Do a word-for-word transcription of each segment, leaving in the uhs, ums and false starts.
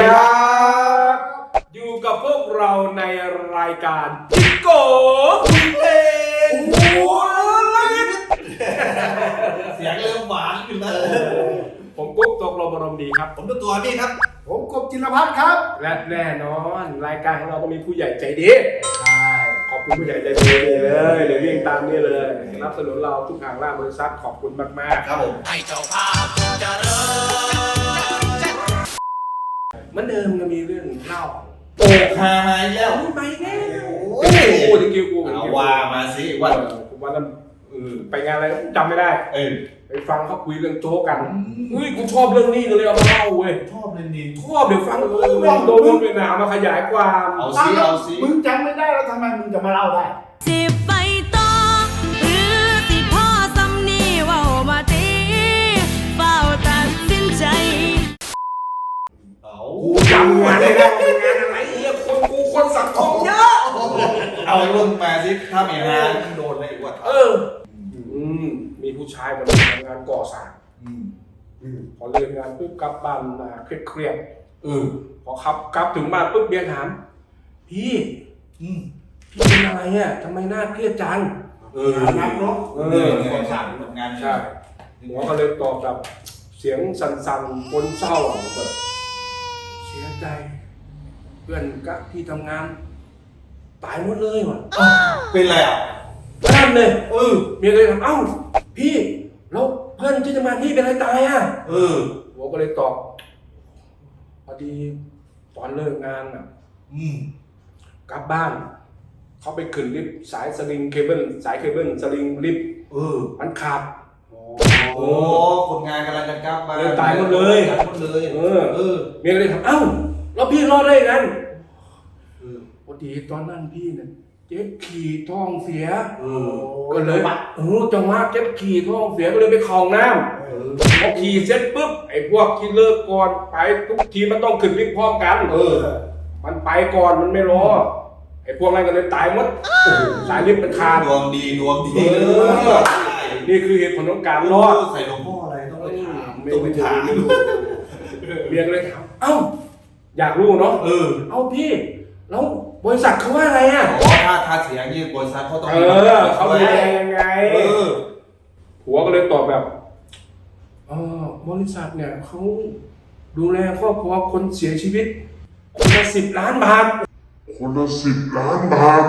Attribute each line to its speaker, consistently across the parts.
Speaker 1: ครับอยู่กับพวกเราในรายการจิโก้คุยเพลงโอ้ย
Speaker 2: เสียงเริ่มหวานขึ้นแล้ว
Speaker 1: ผมกุ๊กตกลมอารมณ์ดีครับ
Speaker 2: ผมตัวตัวนี่ครับ
Speaker 3: ผมกบจิรพัฒน์ครับ
Speaker 1: และแน่นอนรายการของเราก็มีผู้ใหญ่ใจดีใช่ขอบคุณผู้ใหญ่ใจดีเลยเดี๋ยววิ่งตามนี่เลยสนับสนุนเราทุกทางล่าบริษัทขอบคุณมากๆ
Speaker 2: ครับผมให้เจ้าภาพเจริญ
Speaker 1: เหมือนเดิมก็มีเรื่องเล่า
Speaker 2: โอ้หายแล้ว
Speaker 1: ไปแน่
Speaker 2: โอ้ย
Speaker 1: กูจะกิ้วกู
Speaker 2: เอาว่ามาสิว่า
Speaker 1: ผมว่านั้นไปงานอะไรจำไม่ได้
Speaker 2: เออ
Speaker 1: ไปฟังเขาคุยเรื่องโจ๊กกันเฮ้ยกูชอบเรื่องนี้เลยเอามาเล่าเว้ย
Speaker 2: ชอบเลยนี่
Speaker 1: ชอบเดี๋ยวฟังเออลองโดนเป็นหนามาขยายความ
Speaker 2: เอาสิเอาสิ
Speaker 3: มึงจำไม่ได้แล้วทำไมมึงจะมาเล่าได้
Speaker 4: สิไปต่อหรือสิพ่อสำนีว่ามาตีเฝ้าตัดสินใจ
Speaker 2: เอา
Speaker 1: กูจำงานได้แล้วงานอะไรเอี้ยคนกูคนสังคมเยอะ
Speaker 2: เอาเรื่องมาสิถ้ามีงานมึงโดนอะไรอีกวะ
Speaker 1: เอออืมมีผู้ชายคนนึงทำงานก่อสร้างพอเลิกงานปุ๊บกลับบ้านมาเครียดๆเออพอขับกลับถึงบ้านปุ๊บเบียร์ถามพี่พี่เป็นอะไรอ่ะทำไมหน้าเครียดจัง
Speaker 2: เออนักเนาะเออก่อสร้างทำงาน
Speaker 1: ใช่หมอก็เลยตอบแบบเสียงสั่นๆคนเศร้าแบบเสียใจเพื่อนกับที่ทำงานตายหมดเลยว่ะ
Speaker 2: เป็นไรอ่ะ
Speaker 1: นั่นเลยเออเมียเลยถามเอ้าพี่แล้วเพื่อนที่ทำงานพี่เป็นอะไรตายอ่ะ
Speaker 2: เออ
Speaker 1: หัวก็เลยตอบพอดีตอนเลิกงานอ่ะ
Speaker 2: อืม
Speaker 1: กลับบ้านเขาไปขึ้นลิฟต์สายสลิงเคเบิลสายเคเบิลสลิงลิฟต์
Speaker 2: เออ
Speaker 1: มันขาด
Speaker 2: โอ้คนงานกำลังจะกลับมา
Speaker 1: ตายหมดเลย
Speaker 2: ตายหมดเลย
Speaker 1: เออเออเมียเลยถามเอ้าแล้วพี่รอดได้ไงพอดีตอนนั้นพี่เนี่ยเจ็บขี่ท้องเสียก็เลยเออจังหวะเจ็บขี่ท้องเสียก็เลยไปเข้าห้องน้ำพอขี่เสร็จปุ๊บไอ้พวกที่เลิกก่อนไปทุกทีมันต้องขึ้นลิฟต์พร้อมกันเออมันไปก่อนมันไม่รอไอ้พวกนั้นก็เลยตายหมดสายลิฟต์มันขาด
Speaker 2: ดวงดีดวงดี
Speaker 1: นี่คือเหตุผลของการรอด
Speaker 2: ใส่หลวงพ่ออะไรต้องไปถาม
Speaker 1: ต้องไปถามเรียนเลยถามเอ้าอยากรู้เนาะเออเอ้าพี่แล้วบริษัทเขาว่าอะไรอ่ะ
Speaker 2: อ๋อถ้าถ้าเสียงยี่บริษัทเขาต้อง
Speaker 1: เออเขาดูแลยังไงเออผัวก็เลยตอบแบบเออบริษัทเนี่ยเขาดูแลครอบครัวคนเสียชีวิตคนละสิบล้านบาท
Speaker 5: คนละสิบล้านบาท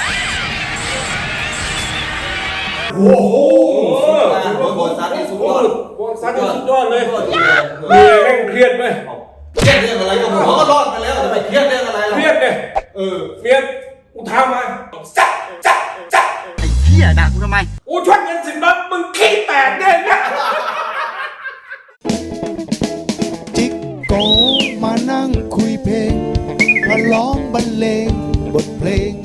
Speaker 2: โอ้โหบริษัทนี่สุดยอด
Speaker 1: บริษัทนี่สุดยอดเลยเมียแม่งเครียดไหม
Speaker 2: เครียดเรื่องอะไรก็หัวก็รอดไปแล้วจะไปเครียดเรื่องอะไรหรอ
Speaker 1: เครียดเนี่ยเออเมียกูทำมาจับจับจับ
Speaker 4: ไอ้เหี้ยด่ากูทำไม
Speaker 1: กูชดเงินสิบล้านมึงขี้แตกเนี่ยนะ
Speaker 6: จิกโกมานั่งคุยเพลงมาร้องบรรเลงบทเพลง